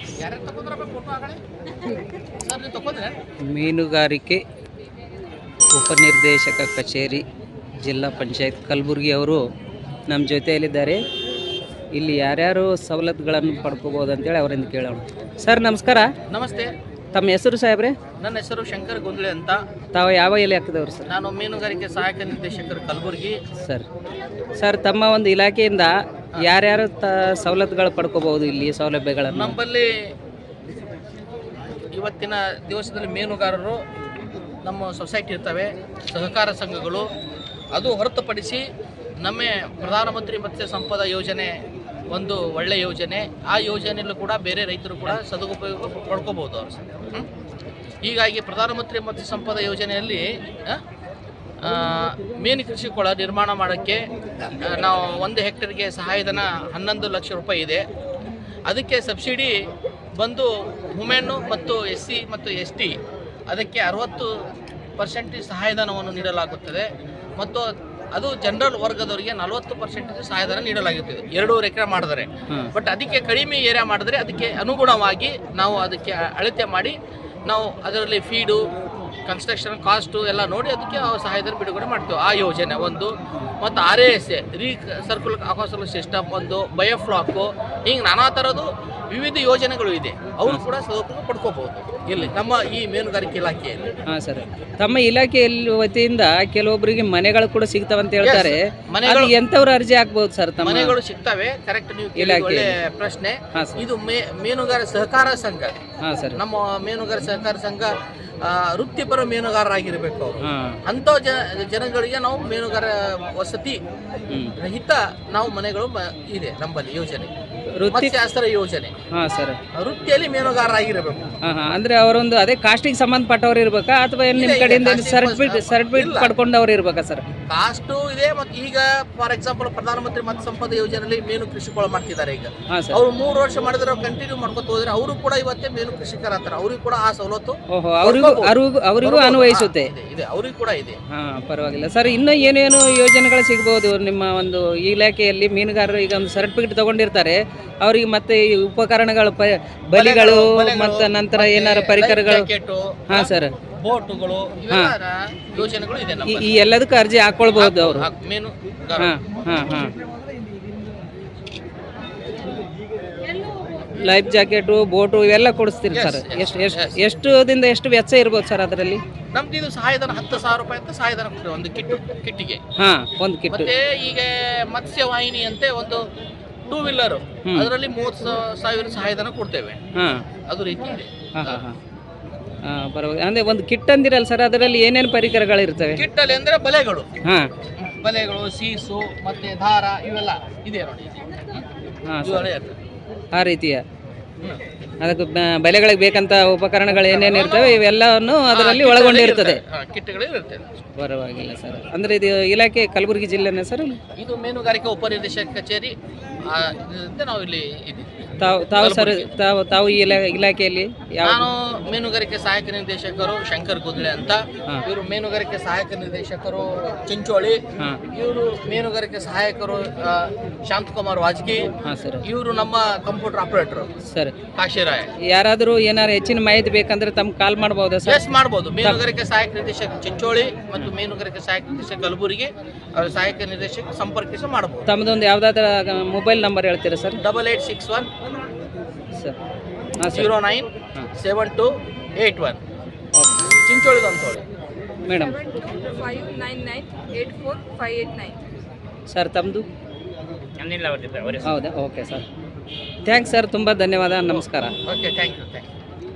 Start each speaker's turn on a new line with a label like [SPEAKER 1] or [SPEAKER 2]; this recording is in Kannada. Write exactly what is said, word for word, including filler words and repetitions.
[SPEAKER 1] ಮೀನುಗಾರಿಕೆ ಉಪನಿರ್ದೇಶಕ ಕಚೇರಿ ಜಿಲ್ಲಾ ಪಂಚಾಯತ್ ಕಲಬುರಗಿ ಅವರು ನಮ್ಮ ಜೊತೆಯಲ್ಲಿದ್ದಾರೆ. ಇಲ್ಲಿ ಯಾರ್ಯಾರು ಸವಲತ್ತುಗಳನ್ನು ಪಡ್ಕೋಬೋದು ಅಂತೇಳಿ ಅವರಿಂದ ಕೇಳೋಣ. ಸರ್ ನಮಸ್ಕಾರ.
[SPEAKER 2] ನಮಸ್ತೆ.
[SPEAKER 1] ತಮ್ಮ ಹೆಸರು ಸಾಹೇಬ್ರೆ?
[SPEAKER 2] ನನ್ನ ಹೆಸರು ಶಂಕರ್ ಗೊಂದ್ಳೆ ಅಂತ.
[SPEAKER 1] ತಾವು ಯಾವ ಇಲಾಖೆದವರು ಸರ್?
[SPEAKER 2] ನಾನು ಮೀನುಗಾರಿಕೆ ಸಹಾಯಕ ನಿರ್ದೇಶಕರು ಕಲಬುರಗಿ
[SPEAKER 1] ಸರ್. ಸರ್ ತಮ್ಮ ಒಂದು ಇಲಾಖೆಯಿಂದ ಯಾರ್ಯಾರು ತ ಸವಲತ್ತುಗಳು ಪಡ್ಕೋಬಹುದು ಇಲ್ಲಿ ಸೌಲಭ್ಯಗಳನ್ನು?
[SPEAKER 2] ನಮ್ಮಲ್ಲಿ ಇವತ್ತಿನ ದಿವಸದಲ್ಲಿ ಮೀನುಗಾರರು ನಮ್ಮ ಸೊಸೈಟಿ ಇರ್ತವೆ, ಸಹಕಾರ ಸಂಘಗಳು. ಅದು ಹೊರತುಪಡಿಸಿ ನಮ್ಮ ಪ್ರಧಾನಮಂತ್ರಿ ಮತ್ಸ್ಯ ಸಂಪದ ಯೋಜನೆ ಒಂದು ಒಳ್ಳೆಯ ಯೋಜನೆ. ಆ ಯೋಜನೆಯಲ್ಲೂ ಕೂಡ ಬೇರೆ ರೈತರು ಕೂಡ ಸದುಪಯೋಗ ಪಡ್ಕೋಬೋದು ಅವರು. ಹೀಗಾಗಿ ಪ್ರಧಾನಮಂತ್ರಿ ಮತ್ಸ್ಯ ಸಂಪದ ಯೋಜನೆಯಲ್ಲಿ ಮೀನು ಕೃಷಿ ಕೊಳ ನಿರ್ಮಾಣ ಮಾಡೋಕ್ಕೆ ನಾವು ಒಂದು ಹೆಕ್ಟೇರ್ಗೆ ಸಹಾಯಧನ ಹನ್ನೊಂದು ಲಕ್ಷ ರೂಪಾಯಿ ಇದೆ. ಅದಕ್ಕೆ ಸಬ್ಸಿಡಿ ಬಂದು ವುಮೆನ್ನು ಮತ್ತು ಎಸ್ ಸಿ ಮತ್ತು ಎಸ್ ಟಿ ಅದಕ್ಕೆ ಅರವತ್ತು ಪರ್ಸೆಂಟೇಜ್ ಸಹಾಯಧನವನ್ನು ನೀಡಲಾಗುತ್ತದೆ. ಮತ್ತು ಅದು ಜನರಲ್ ವರ್ಗದವರಿಗೆ ನಲವತ್ತು ಪರ್ಸೆಂಟೇಜ್ ಸಹಾಯಧನ ನೀಡಲಾಗುತ್ತದೆ ಎರಡೂವರೆ ಎಕರೆ ಮಾಡಿದರೆ. ಬಟ್ ಅದಕ್ಕೆ ಕಡಿಮೆ ಏರಿಯಾ ಮಾಡಿದ್ರೆ ಅದಕ್ಕೆ ಅನುಗುಣವಾಗಿ ನಾವು ಅದಕ್ಕೆ ಅಳತೆ ಮಾಡಿ ನಾವು ಅದರಲ್ಲಿ ಫೀಡು, ಕನ್ಸ್ಟ್ರಕ್ಷನ್ ಕಾಸ್ಟು ಎಲ್ಲ ನೋಡಿ ಅದಕ್ಕೆ ಸಹಾಯಧನ ಬಿಡುಗಡೆ ಮಾಡ್ತೇವೆ. ಆ ಯೋಜನೆ ಒಂದು. ಮತ್ತು R A S a recircular aquaculture system ಒಂದು, ಬಯೋಫ್ಲಾಕು, ಹಿಂಗೆ ನಾನಾ ಥರದ್ದು ವಿವಿಧ ಯೋಜನೆಗಳು ಇದೆ. ಅವರು ಕೂಡ ಸದುಪಯೋಗ ಪಡ್ಕೋಬಹುದು ಇಲ್ಲಿ ನಮ್ಮ ಈ ಮೀನುಗಾರಿಕೆ ಇಲಾಖೆಯಲ್ಲಿ.
[SPEAKER 1] ಹಾಂ ಸರ್. ತಮ್ಮ ಇಲಾಖೆಯಲ್ಲಿ ವತಿಯಿಂದ ಕೆಲವೊಬ್ಬರಿಗೆ ಮನೆಗಳು ಕೂಡ ಸಿಗ್ತಾವಂತ ಹೇಳ್ತಾರೆ. ಮನೆಗಳು ಎಂಥವ್ರು ಅರ್ಜಿ ಹಾಕ್ಬೋದು ಸರ್? ತಮ್ಮ
[SPEAKER 2] ಮನೆಗಳು ಸಿಗ್ತವೆ. ಕರೆಕ್ಟ್. ನೀವು ಒಳ್ಳೆ ಪ್ರಶ್ನೆ. ಇದು ಮೀನುಗಾರ ಸಹಕಾರ ಸಂಘ.
[SPEAKER 1] ಹಾಂ ಸರ್.
[SPEAKER 2] ನಮ್ಮ ಮೀನುಗಾರ ಸಹಕಾರ ಸಂಘ ವೃತ್ತಿಪರ ಮೀನುಗಾರರಾಗಿರ್ಬೇಕು ಅವರು. ಅಂಥ ಜನಗಳಿಗೆ ನಾವು ಮೀನುಗಾರ ವಸತಿ ರಹಿತ ನಾವು ಮನೆಗಳು ಇದೆ ನಮ್ಮಲ್ಲಿ ಯೋಜನೆ, ಮತ್ಸ್ಯಾಸ್ತ್ರ ಯೋಜನೆ.
[SPEAKER 1] ಹಾಂ ಸರ್.
[SPEAKER 2] ವೃತ್ತಿಯಲ್ಲಿ ಮೀನುಗಾರರಾಗಿರಬೇಕು.
[SPEAKER 1] ಹಾಂ ಹಾಂ. ಅಂದ್ರೆ ಅವರೊಂದು ಅದೇ ಕಾಸ್ಟಿಗೆ ಸಂಬಂಧಪಟ್ಟವ್ರು ಇರ್ಬೇಕಾ ಅಥವಾ ನಿಮ್ಮ ಕಡೆಯಿಂದ ಸರ್ಟಿಫಿಕೇಟ್ ಸರ್ಟಿಫಿಕೇಟ್ ಪಡ್ಕೊಂಡವ್ರು ಇರ್ಬೇಕಾ ಸರ್?
[SPEAKER 2] ಕಾಸ್ಟು ಇದೆ. ಮತ್ತು ಈಗ ಫಾರ್ ಎಕ್ಸಾಂಪಲ್ ಪ್ರಧಾನಮಂತ್ರಿ ಮತ್ಸ್ಯ ಸಂಪದ ಯೋಜನೆಯಲ್ಲಿ ಮೀನು ಕೃಷಿ ಕೊಳ ಮಾಡ್ತಿದ್ದಾರೆ. ಈಗ ಅವ್ರು ಮೂರು ವರ್ಷ ಮಾಡಿದ್ರೆ ಅವ್ರು ಕಂಟಿನ್ಯೂ ಮಾಡ್ಕೊತ ಹೋದ್ರೆ ಅವರು ಕೂಡ ಇವತ್ತೇ ಮೀನು ಕೃಷಿಕರ ಅಂತಾರೆ. ಅವ್ರಿಗೆ ಕೂಡ ಆ ಸವಲತ್ತು
[SPEAKER 1] ಅವರಿಗೂ ಅನ್ವಯಿಸುತ್ತೆ.
[SPEAKER 2] ಅವ್ರಿಗೆ ಕೂಡ ಇದೆ.
[SPEAKER 1] ಹಾ, ಪರವಾಗಿಲ್ಲ ಸರ್. ಇನ್ನು ಏನೇನು ಯೋಜನೆಗಳು ಸಿಗಬಹುದು ನಿಮ್ಮ ಒಂದು ಇಲಾಖೆಯಲ್ಲಿ? ಮೀನುಗಾರರು ಈಗ ಒಂದು ಸರ್ಟಿಫಿಕೇಟ್ ತಗೊಂಡಿರ್ತಾರೆ, ಅವರಿಗೆ ಮತ್ತೆ ಈ ಉಪಕರಣಗಳು, ಬಲಿಗಳು ಮತ್ತು ನಂತರ ಏನಾರ ಪರಿಕರಗಳು. ಹಾ ಸರ್.
[SPEAKER 2] ಬೋಟುಗಳು, ಯೋಜನೆಗಳು ಇದೆ.
[SPEAKER 1] ಈ ಎಲ್ಲದಕ್ಕೂ ಅರ್ಜಿ ಹಾಕೊಳ್ಬಹುದು ಅವರು.
[SPEAKER 2] ಮೀನು
[SPEAKER 1] ಹಾ ಹಾ ಹಾ. ಲೈಫ್ ಜಾಕೆಟು, ಬೋಟು ಇವೆಲ್ಲ ಕೊಡಿಸ್ತೀರಿ ಸರ್? ಎಷ್ಟು ಎಷ್ಟು ಎಷ್ಟು ದಿಂದ ಎಷ್ಟು ವೆಚ್ಚ ಇರ್ಬೋದು ಸರ್ ಅದರಲ್ಲಿ?
[SPEAKER 2] ನಮ್ದು ಇದು ಸಹಾಯಧನ ಹತ್ತು ಸಾವಿರ ರೂಪಾಯಿ ಅಂತ ಸಹಾಯಧನ ಕೊಡ್ತೇವೆ ಒಂದು ಕಿಟ್ಟು ಕಿಟ್ಟಿಗೆ.
[SPEAKER 1] ಹಾ, ಒಂದು ಕಿಟ್ಟು.
[SPEAKER 2] ಮತ್ತೆ ಈಗ ಮತ್ಸ್ಯವಾಹಿನಿ ಅಂತೆ ಒಂದು ಟೂ ವೀಲರ್, ಅದರಲ್ಲಿ ಮೂವತ್ತು ಸಾವಿರ ಸಹಾಯಧನ ಕೊಡ್ತೇವೆ.
[SPEAKER 1] ಹಾ,
[SPEAKER 2] ಅದು ರೀತಿ ಇದೆ.
[SPEAKER 1] ಹಾ ಹಾ ಹಾ. ಪರವಾಗಿಲ್ಲ. ಅಂದ್ರೆ ಒಂದು ಕಿಟ್ ಅಂದಿರಲ್ಲ ಸರ್, ಅದರಲ್ಲಿ ಏನೇನು ಪರಿಕರಗಳು ಇರ್ತವೆ?
[SPEAKER 2] ಕಿಟ್ಟಲ್ಲಿ ಅಂದ್ರೆ ಬಲೆಗಳು.
[SPEAKER 1] ಹಾ,
[SPEAKER 2] ಬಲೆಗಳು, ಸೀಸು ಮತ್ತೆ ದಾರ ಇವೆಲ್ಲ ಇದೆ ನೋಡಿ.
[SPEAKER 1] ಹಾ, ಆ ರೀತಿಯ ಅದಕ್ಕೆ ಬಲೆಗಳಿಗೆ ಬೇಕಂತ ಉಪಕರಣಗಳು ಏನೇನು ಇರ್ತವೆ ಇವೆಲ್ಲವನ್ನು ಅದರಲ್ಲಿ ಒಳಗೊಂಡಿರ್ತದೆ. ಪರವಾಗಿಲ್ಲ ಸರ್. ಅಂದ್ರೆ ಇದು ಇಲಾಖೆ ಕಲಬುರಗಿ ಜಿಲ್ಲೆನೇ ಸರ್?
[SPEAKER 2] ಇದು ಮೀನುಗಾರಿಕೆ ಉಪನಿರ್ದೇಶಕ ಕಚೇರಿ ನಾವು ಇಲ್ಲಿ ಇದ್ದೀವಿ.
[SPEAKER 1] ತಾವು ತಾವು ಸರ್ ತಾವು ತಾವು ಈ ಇಲಾಖೆಯಲ್ಲಿ?
[SPEAKER 2] ನಾನು ಮೀನುಗಾರಿಕೆ ಸಹಾಯಕ ನಿರ್ದೇಶಕರು ಶಂಕರ್ ಗೊಂದ್ಳೆ ಅಂತ. ಇವರು ಮೀನುಗಾರಿಕೆ ಸಹಾಯಕ ನಿರ್ದೇಶಕರು ಚಿಂಚೋಳಿ. ಇವರು ಮೀನುಗಾರಿಕೆ ಸಹಾಯಕರು ಶಾಂತಕುಮಾರ್ ವಾಜಕಿ. ಇವರು ನಮ್ಮ ಕಂಪ್ಯೂಟರ್ ಆಪರೇಟರ್
[SPEAKER 1] ಸರ್
[SPEAKER 2] ಕಾಶಿರಾಯ್.
[SPEAKER 1] ಯಾರಾದರೂ ಏನಾರು ಹೆಚ್ಚಿನ ಮಾಹಿತಿ ಬೇಕಂದ್ರೆ ತಮ್ಗೆ ಕಾಲ್ ಮಾಡಬಹುದಾ ಸರ್?
[SPEAKER 2] ಎಸ್, ಮಾಡಬಹುದು. ಮೀನುಗಾರಿಕೆ ಸಹಾಯಕ ನಿರ್ದೇಶಕ ಚಿಂಚೋಳಿ ಮತ್ತು ಮೀನುಗಾರಿಕೆ ಸಹಾಯಕ ನಿರ್ದೇಶಕ ಕಲಬುರಗಿ ಸಹಾಯಕ ನಿರ್ದೇಶಕ ಸಂಪರ್ಕಿಸಿ ಮಾಡಬಹುದು.
[SPEAKER 1] ತಮ್ಮದೊಂದು ಯಾವುದಾದ್ರೂ ಮೊಬೈಲ್ ನಂಬರ್ ಹೇಳ್ತೀರಾ sir?
[SPEAKER 2] Double eight six one
[SPEAKER 1] sir
[SPEAKER 2] zero nine seven two eight one. ಚಿಂಚೋಳಿದು ಅಂತೇಳಿ
[SPEAKER 1] madam.
[SPEAKER 3] Five nine nine eight four five eight nine.
[SPEAKER 1] Sir ತಮ್ಮದು? ಹೌದಾ? ಓಕೆ ಸರ್, ಥ್ಯಾಂಕ್ಸ್ ಸರ್, ತುಂಬ ಧನ್ಯವಾದ, ನಮಸ್ಕಾರ.
[SPEAKER 2] Okay, thank you thank you